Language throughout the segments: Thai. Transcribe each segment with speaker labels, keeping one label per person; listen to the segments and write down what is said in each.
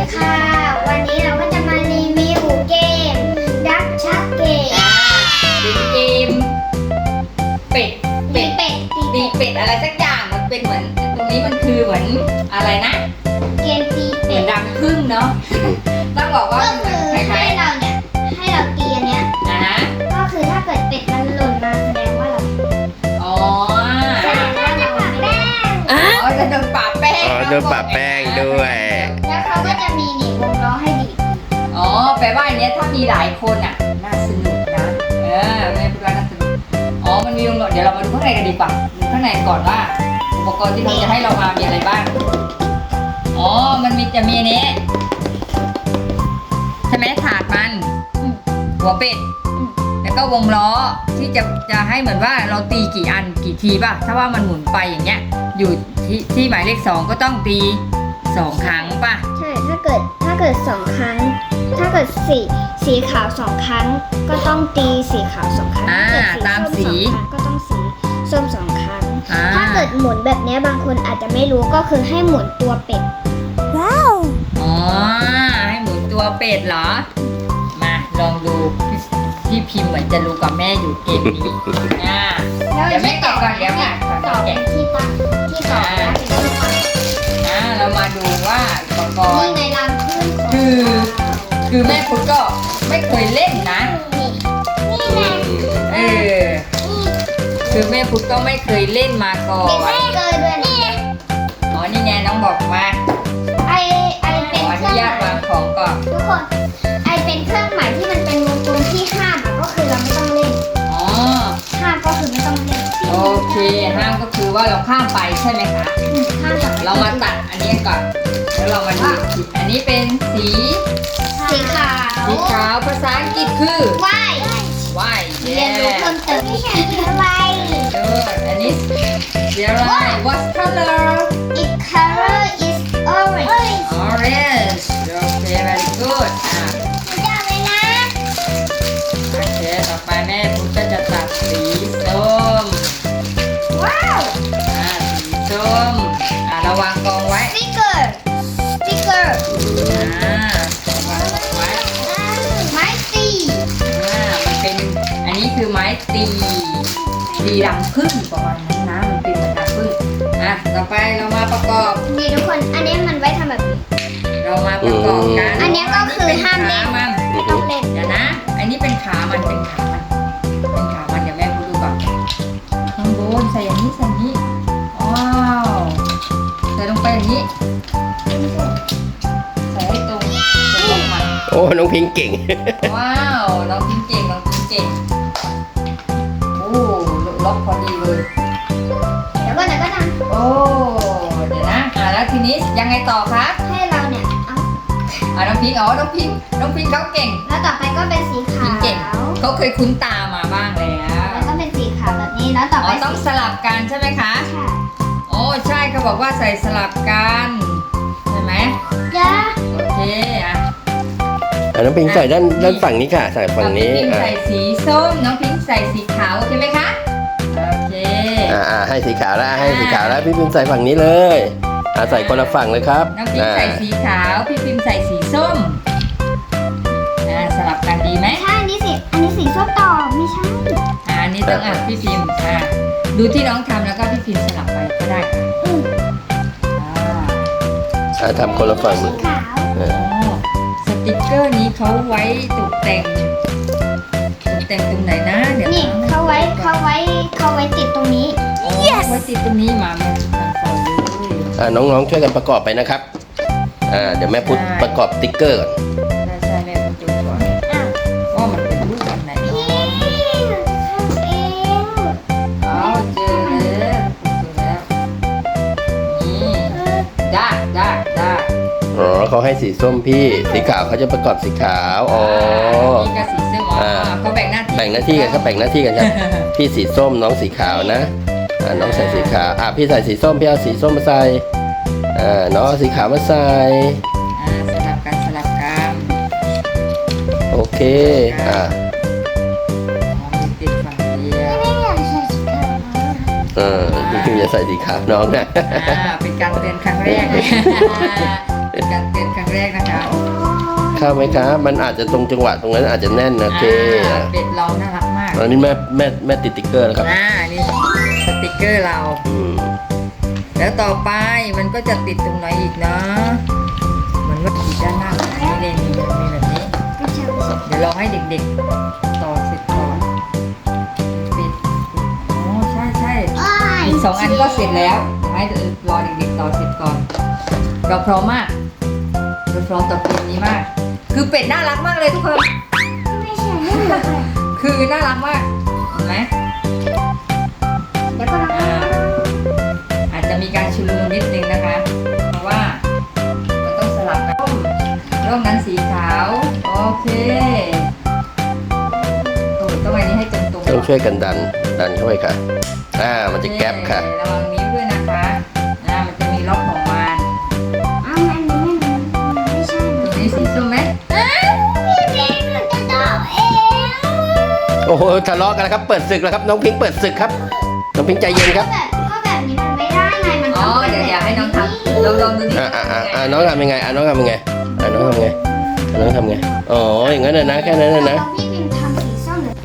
Speaker 1: ค่ะวันนี้เราก็จะมารีวิวเกมดักชักเกม
Speaker 2: เป็นเกมเป็ด
Speaker 1: ตีเป็ด
Speaker 2: ตีเป็ดอะไรสักอย่างมันเป็นเหมือนตรงนี้มันคือเหมือนอะไรนะ
Speaker 1: เกมตี
Speaker 2: เหมื
Speaker 1: เป็
Speaker 2: อน
Speaker 1: ด
Speaker 2: รังผึ้งเนาะต้องบอกว่า
Speaker 1: ก็
Speaker 2: มัน
Speaker 1: คือ
Speaker 2: ค
Speaker 1: ให้
Speaker 2: ล้าย
Speaker 1: เราเนี่ยให้เราตีอันเนี้ย
Speaker 2: ๆนะ
Speaker 1: ก็คือถ้าเกิดเป็ดมันหล่นมาแสดงว่าเรา
Speaker 2: อ๋อ
Speaker 1: แสดงว่าเราแป้ง
Speaker 2: อ๋อจะโดนปะแป้ง
Speaker 3: อ๋อโดนปะแป้งด้วย
Speaker 1: แล้วเขาก็จะมีหนีบวงล้อให้ดีด
Speaker 2: อ๋อแปลว่าอันเนี้ยถ้ามีหลายคนอ่ะน่าสนุกนะแม่พูดว่าน่าสนุกอ๋อมันมีวงล้อเดี๋ยวเรามาดูข้างในกันดีกว่าดูข้างในก่อนว่าอุปกรณ์ที่เขาจะให้เรามามีอะไรบ้างอ๋อมันจะมีอันนี้ใช่ไหมถาดมันหัวเป็ดแล้วก็วงล้อที่จะให้เหมือนว่าเราตีกี่อันกี่ทีป่ะถ้าว่ามันหมุนไปอย่างเงี้ยอยู่ที่หมายเลข2ก็ต้องตี2 ครั้งป่ะ
Speaker 1: ใช่ถ้าเกิด2 ครั้ง ถ้าเกิดสีขาว2 ครั้ง ก็ต้องตีสีขาว2 ครั้ง
Speaker 2: ตามสี
Speaker 1: ก็ต้องสีส้ม2 ครั้ง
Speaker 2: อ่า
Speaker 1: ถ้าเกิดหมุนแบบนี้บางคนอาจจะไม่รู้ก็คือให้หมุนตัวเป็ด ว้าว
Speaker 2: อ๋อให้หมุนตัวเป็ดเหรอมาลองดูพี่พิมพ์เหมือนจะรู้กับแม่อยู่เกมนี้เดี๋ยวแม่แกะก่อนเดี๋ยวค่ะก่อน
Speaker 1: ต่อเป็
Speaker 2: แกะ
Speaker 1: นที่ตั้งที่ต่อนะเป็นที่ตั้ง
Speaker 2: เรามาดูว่าอุปกร
Speaker 1: นี่
Speaker 2: ณ์
Speaker 1: ในรังผึ้งของ
Speaker 2: คือแม่พุทธก็ไม่เคยเล่นนะ
Speaker 1: นี่ไง
Speaker 2: เออคือแม่พุทธก็ไม่เคยเล่นมาก่อ
Speaker 1: เป็น
Speaker 2: น
Speaker 1: แม่เกินด้วยนี่
Speaker 2: อ๋อนี่ไงน้องบอกมา
Speaker 1: ไอ
Speaker 2: ข
Speaker 1: เป็น
Speaker 2: ออ
Speaker 1: เค
Speaker 2: นุ
Speaker 1: รื่อง
Speaker 2: ญาต
Speaker 1: หมายว
Speaker 2: างของก่อน
Speaker 1: ทุกคนไอเป็นเครื่องหมายที่มันเป็นวงกลมที่ห้ามอะก็คือเราไม่ต้องเล่น
Speaker 2: อ๋อ
Speaker 1: ห้ามก็คือไม่ต้องเล่น
Speaker 2: โอเคห้ามก็คือว่าเราข้ามไปใช่ไหมคะ
Speaker 1: ห้ามกับ
Speaker 2: เรามาตัดอันนี้ก่อนแล้วเรามาดูอีกทีอันนี้เป็นสี
Speaker 1: สีขาว
Speaker 2: สีขาวภาษาอังกฤษคือ
Speaker 1: ว่าย
Speaker 2: white
Speaker 1: เรียนรู้เพิ่มเติมวิชาว่าย
Speaker 2: อันนี้สีอะไร what color
Speaker 1: Its color is orange
Speaker 2: orange โอเค very good
Speaker 1: จับเลยนะ
Speaker 2: โอเคต่อไปแม่พุทธก็จะตัดสีส้ม
Speaker 1: ว้าว
Speaker 2: สีส้มเราวางกองไว้
Speaker 1: สติ๊กเกอร์สติ๊กเกอร์
Speaker 2: วางกองไว้
Speaker 1: ไม้ตี
Speaker 2: มันเป็นอันนี้คือไม้ตีรังผึ้งประมาณนั้นนะมันเป็นเหมือนรังผึ้งต่อไปเรามาประกอบ
Speaker 1: นี่ทุกคนอันนี้มันไว้ทำแบบนี้
Speaker 2: เรามาประกอบกัน
Speaker 1: อันนี้ก็คือห้ามเล่น
Speaker 2: มัน
Speaker 1: ไม่ต้องเล่น
Speaker 2: เดี๋ยวนะ อันนี้เป็นขามันเป็นขามันเดี๋ยวแม่พูดดูก่อนข้างบนใส่อย่างนี้ใส่อย่างนี้ว้าวใส่ลงไปอย่างนี้ใส่ให้ตรงมัน
Speaker 3: โอ้น้องพิงเก่ง
Speaker 2: ว้าวน้องพิงเก่งโอ้ล็อกพอดีเลย
Speaker 1: เดี๋ยวก็นะ
Speaker 2: โอ้เดี๋ยวนะแล้วทีนี้ยังไงต่อคะ
Speaker 1: ให้เราเนี่ยเอา
Speaker 2: น้องพิงน้องพิงเขาเก่ง
Speaker 1: แล้วต่อไปก็เป็นสีขา
Speaker 2: พิง
Speaker 1: ว
Speaker 2: เก่งเขาเคยคุ้นตามาบ้างแล้ว
Speaker 1: แล้วก็เป็นสีขาวแบบนี้แล้วต่อไป
Speaker 2: ต้องสลับกันใช่ไหมคะ
Speaker 1: ใช่
Speaker 2: โอ้ใช่เขาบอกว่าใส่สลับกันใช่ไหม
Speaker 1: จ้า
Speaker 2: โอเค
Speaker 3: น้องพิงใส่ด้านฝั่งนี้ค่ะ ใส่ฝั่งนี้
Speaker 2: น้องพิงใส่สีส้มน้องพิงใส่สีขาวใช่ไหมคะโอเค
Speaker 3: ให้สีขาวแล้วพี่พิงใส่ฝั่งนี้เลยใส่คนละฝั่งเลยครับ
Speaker 2: น้องพิงใส่สีขาวพี่พิมใส่สีส้มสลับกันดีไหม
Speaker 1: ใช่อันนี้สีส้มต่อไม่ใช่
Speaker 2: อันนี้ต้องพี่พิมดูที่น้องทำแล้วก็พี่พิมสลับไปก็ได้ค่ะ
Speaker 3: ทำคนละฝั่ง
Speaker 1: สีขาว
Speaker 2: สติกเกอร์นี้เขาไว้ตกแต่งตรงไหนนะเดี๋ยว
Speaker 1: นี่เขาไว้ติดตรงนี้
Speaker 2: ไว้ติดตรงนี้มาทำต่อเลย
Speaker 3: น้องๆช่วยกันประกอบไปนะครับเดี๋ยวแม่พุทธประกอบติ๊กเกอร์ก่อน
Speaker 2: ใช่แม่ประจุก่อนว่ามันเป็นรูปแบบไหนเนาะเอาเจอแล้วนี่ได้
Speaker 3: เขาให้สีส้มพี่สีขาวเขาจะประกอบสีขาว
Speaker 2: นี่ก็สีส้มเขาแบ่งหน้าที่
Speaker 3: แบ่งหน้าที่กันครับพี่สีส้มน้องสีขาวนะน้องใส่สีขาวพี่ใส่สีส้มพี่เอาสีส้มมาใส่น้องเอาสีขาวมาใส่
Speaker 2: สลับกัน
Speaker 3: โอเค
Speaker 2: ติดฝั่งเดียว
Speaker 3: พี่พิมจะใส่สีขาวน้องนะ
Speaker 2: เป็นการเตือนครั้งแรกนะคะ
Speaker 3: เข้าไหมครับมันอาจจะตรงจังหวะตรงนั้นอาจจะแน่นนะโอเค
Speaker 2: เป็ดเราน่ารักมาก
Speaker 3: อันนี้แม่ติดติ๊กเกอร์แล้วครับ
Speaker 2: นี่สติกเกอร์เรา
Speaker 3: อืม
Speaker 2: แล้วต่อไปมันก็จะติดตรงไหนอีกนะเหมือนว่าติดด้านหน้าแบบนี้เลยมีแบบนี้
Speaker 1: ก็ใช่ไม่ใช่
Speaker 2: เดี๋ยวลองให้เด็กๆต่อเสร็จก่อนปิดโอ้ใช่อีก2 อันก็เสร็จแล้วเดี๋ยวให้รอเด็กๆต่อเสร็จก่อน เราพร้อมมากเราพร้อมต่อเกมนี้มาก คือเป็ดน่ารักมากเลยทุกคน
Speaker 1: ไม่ใช่ไม่เหมือนกัน
Speaker 2: คือน่ารักมากเห็นไหม
Speaker 1: เดี๋ยวก็ลอง
Speaker 2: อาจจะมีการชุลมุนนิดนึงนะคะ เพราะว่าเราต้องสลับกันร่องนั้นสีขาวโอเคโอ้ยต้องอันนี้ให้ตรงๆ
Speaker 3: ต้องช่วยกันดันเข้าไปค่ะมันจะแก๊ปค่ะ
Speaker 2: ระวังนิ้วด้วยนะคะมันจะมีล็อกของมัน
Speaker 1: อ้าวอันนี้ไม่ใช่
Speaker 2: ตรงนี้สีส้มไหม
Speaker 1: พี่เล็กหนูจะตอบเอง
Speaker 3: โอ้โหทะเลาะกันแล้วครับเปิดศึกแล้วครับน้องพิงค์เปิดศึกครับน้องพิงค์ใจเย็นครับ
Speaker 1: ก็แบบนี้มันไม่ได้ไงมัน
Speaker 2: อ๋อ
Speaker 1: ต้องเป็น
Speaker 2: เดี๋ยวให้น้องทำลองดูดิ
Speaker 3: น้องทำยังไงน้องทำยังไงน้องทำยังไงน้องทำไงอ๋ออย่างนั้นนะแค่นั้นนะ
Speaker 1: พี่พิมพ์ทำสีส้มหรือ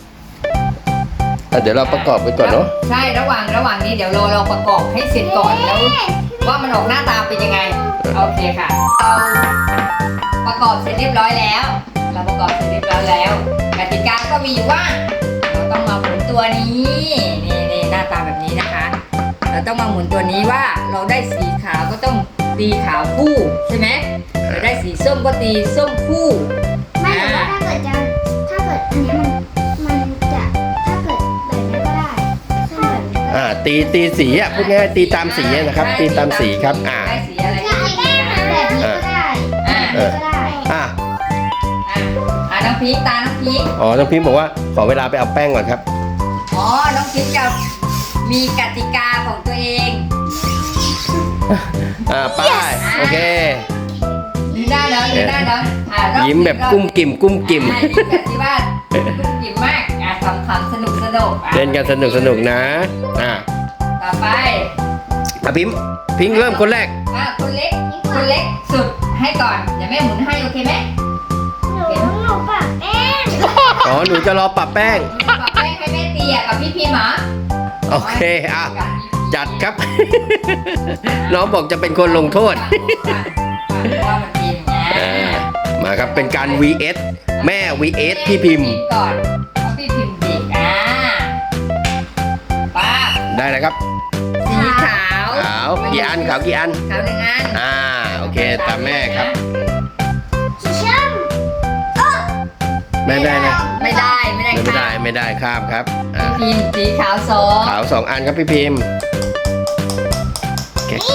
Speaker 3: เดี๋ยวเราประกอบไปก่อนเนาะ
Speaker 2: ใช่ระหว่างนี้เดี๋ยวเราประกอบให้เสร็จก่อนแล้วว่ามันออกหน้าตาเป็นยังไงโอเคค่ะเราประกอบเสร็จเรียบร้อยแล้ว เราประกอบเสร็จเรียบร้อยแล้วกติกาก็มีอยู่ว่าเราต้องมาหมุนตัวนี้นี่หน้าตาแบบนี้นะคะ เราต้องมาหมุนตัวนี้ว่าเราได้สีขาวก็ต้องตีขาวคู่ใช่ไหมเราได้สีส้มก็ตีส้มคู่
Speaker 1: ไม่แต่ว่าถ้าเกิดอันนี้มันจะถ้าเกิดแบบนี้ก็ได้ส้มแบบนี้ก็ได้
Speaker 3: ตีสีพูดง่ายๆตีตามสีนะครับตีตามสีครับ
Speaker 2: ได้สีอะไร
Speaker 1: ก็ไอ้แม่แบบนี้ก็ได้แบบนี้ก็ได้
Speaker 2: น้องพีคตาน้องพีค
Speaker 3: น้องพิมพ์บอกว่าขอเวลาไปเอาแป้งก่อนครับ
Speaker 2: น้องพีคจะมีกติกาของตัวเอง
Speaker 3: ไป้ายโอเค
Speaker 2: ดูหน้าน้อง
Speaker 3: ยิ้มแบบกุ้มกิ่ม
Speaker 2: ยิ้มแบบที่ว่ากุ้มกิ่มมากขำๆสนุก
Speaker 3: เล่นกันสนุกนะ
Speaker 2: ต่อไป
Speaker 3: พิงค์เริ่มคนแรก
Speaker 2: คนเล็กสุดให้ก่อนเดี๋ยวแม่หมุนให้โอเคไหม
Speaker 1: หนูปะแป้ง
Speaker 3: หนูจะรอปรับแป้ง
Speaker 2: ปรับแป้งให้แม่ตีกับพี่พิมพ์เหรอ
Speaker 3: โอเคจัดครับ น้องบอกจะเป็นคนลงโทษ
Speaker 2: ว่ามันเป็นอย่างนี้
Speaker 3: มาครับเป็นการ vs แม่ vs พี่พิมพ์
Speaker 2: ก่อนเพราะพี่พิมพ์เด็กป้า
Speaker 3: ได้เลยครับ
Speaker 2: สีขาว
Speaker 3: ขาวกี่อัน
Speaker 2: ขาว1 อัน
Speaker 3: โอเคตามแม่ครับ
Speaker 1: สีส้ม
Speaker 3: แม่ได้นะ
Speaker 2: ไม่ได้
Speaker 3: ไม่ได้ข้ามครับ
Speaker 2: พิมพ์สีขาว
Speaker 3: ขาว2 อันครับพี่พิมพ์เก๊ก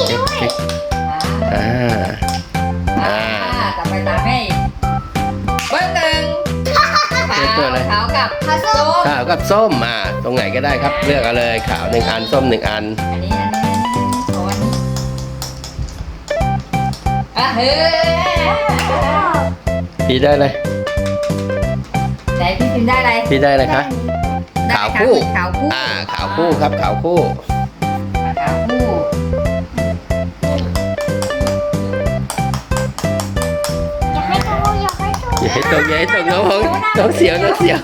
Speaker 2: ต่อไปตามแม่อีกเบอร์ 1ขาวกับส้ม
Speaker 3: ขาวกับส้มตรงไหนก็ได้ครับเลือกเอาเลยขาว1 อันส้ม1 อัน
Speaker 2: อันนี้ของอันนี้เฮ้ย
Speaker 3: พี่ได้เลย
Speaker 2: ไหนพี่พิมพ์ได้อะไร
Speaker 3: พี่ได้เลยคะขาวคู่
Speaker 2: ขาวคู่
Speaker 3: ขาวคู่ครับขาวคู่
Speaker 2: ขาวคู่
Speaker 1: อยากให้โต
Speaker 3: อย่าให้ตกน้องเสียว
Speaker 2: น้องเสียว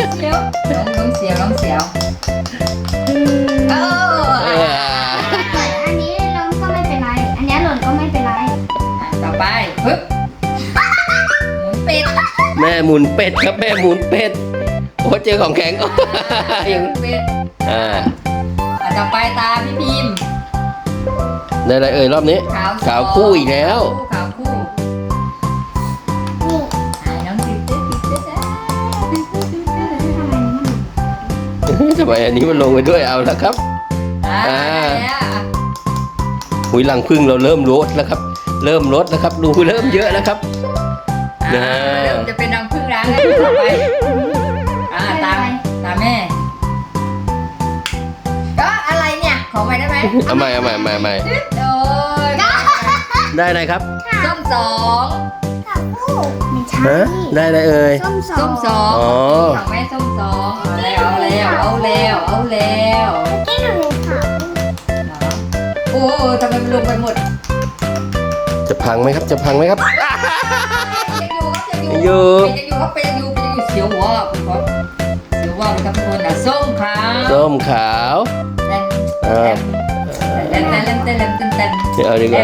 Speaker 2: โอ้
Speaker 1: ถ้าเกิดอันนี้ล้มก็ไม่เป็นไร อันนี้หล่นก็ไม่เป็นไร
Speaker 2: ต่อไปปึ๊บหมุนเป็ด
Speaker 3: แม่หมุนเป็ดครับแม่หมุนเป็ดโอ้เจอของแข็ง ยัง
Speaker 2: เป็ดต่อไปตาพี่พิมพ์
Speaker 3: ได้อะไรรอบนี้ขาวคู่อีกแล้ว
Speaker 2: ขาวคู่น้องติด
Speaker 3: ทำไมอันนี้มันลงไปด้วยเอาแล้วครับหุยหลังพึ่งเราเริ่มลดแล้วครับรูเริ่มเยอะแล้วครับ
Speaker 2: เริ่มจะเป็นรังผึ้งแล้วต่อไปตามแม่ก็อะไรเนี่ยขอใหม่ได้ไหม
Speaker 3: เอาใหม่
Speaker 2: โดย
Speaker 3: ได้อะไรครับ
Speaker 2: ส้ม 2
Speaker 1: กับคู่ไม่ใช่
Speaker 3: ได้อะไรเอ่ย
Speaker 1: ส้ม
Speaker 2: ส้ม 2
Speaker 3: อ๋อ
Speaker 2: ของแม่ส้ม 2เอาแล้ว
Speaker 1: ที่หนูขาว
Speaker 2: โอ้ทำไมมันลงไปหมด
Speaker 3: จะพังไหมครับ
Speaker 2: ยังอยู่ครับยังอยู่เสียวหัวคุณพ่อเสียวว่าเป็นครับทุกคนอ่ะส้มขาว
Speaker 3: ส้มขาว
Speaker 2: เต้น
Speaker 3: เอาดีกว่า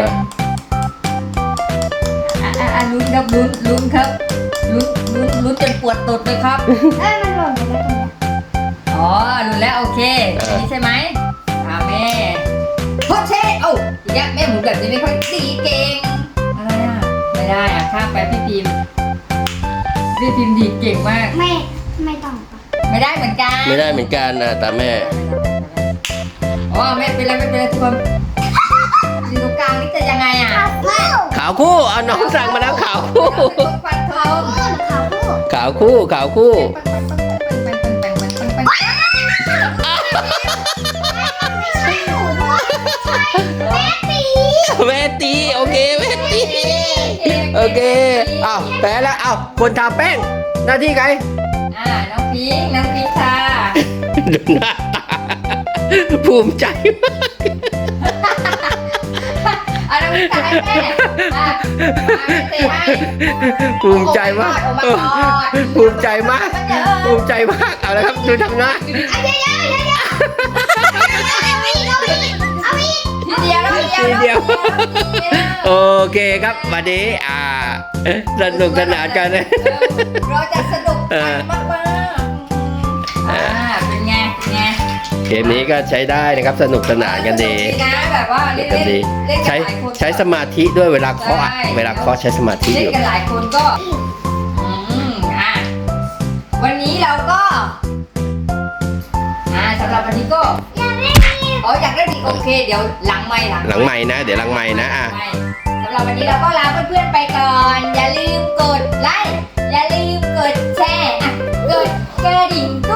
Speaker 2: ลุ้นครับลุ้นครับลุ้นจนปวดตดเลยครับ
Speaker 1: มันหล่นไปแล้วตรงนี้
Speaker 2: อ๋อลุ้นแล้วโอเคนี่ใช่ไหมแม่โคเช่เอ้าอีกแล้วแม่หมุนแบบนี้ไม่ค่อยดีเก่งอะไรอ่ะไม่ได้อ่ะข้ามไปพี่พิมดีเก่งมาก
Speaker 1: ไม่ต้องปะ
Speaker 2: ไม่ได้เหมือนกัน
Speaker 3: ไม่ได้เหมือนกันนะตาแม่
Speaker 2: อ๋อไม่เป็นไรทุกคนอยู่ตรงกลางนี่จะยังไงอ่ะ
Speaker 3: ขาวคู่เอาน้องสั่งมาแล้วขาวคู่
Speaker 2: ฟันทอง
Speaker 3: ขาวคู่ขาวคู่
Speaker 1: ไม่ใช่หนูด้วยแม่ตี
Speaker 3: แม่ตีโอเคแม่ตีโอเคอ้าวแพ้แล้วอ้าวคนทาแป้งหน้าที่ใคร
Speaker 2: น้องพิงค่ะ
Speaker 3: ดูหน้าตาภูมิใจมาก
Speaker 2: น้องพิงค่ะให้แม่เตะให้
Speaker 3: ภูมิใจมากภูมิใจมากภูมิใจมากเอาละครับดูทำหน้า
Speaker 2: ทีเดียว
Speaker 3: โอเคครับวันนี้สนุกสนานกันนะ
Speaker 2: เราจะสนุกกันมากเป็นไง
Speaker 3: เกมนี้ก็ใช้ได้นะครับสนุกสนานกันดี
Speaker 2: นะแบบว่าเล่น
Speaker 3: กันดี
Speaker 2: กัน
Speaker 3: ใช้
Speaker 2: หลายคน
Speaker 3: ใช้สมาธิด้วยเวลาเคาะอะเวลาเคาะใช้สมาธิ
Speaker 2: เล่
Speaker 3: อน ยู่
Speaker 2: กันหลายคนก็วันนี้เราก็สำหรับวันนี้ก็อยากได้ดีโอเคเดี๋ยวหลังไมค์
Speaker 3: หลังใหม่นะเดี๋ยวหลังใหม่นะ
Speaker 2: สำหรับวันนี้เราก็ลาเพื่อนๆไปก่อน อย่าลืมกดไลค์อย่าลืมกดแชร์กดกระดิ่ง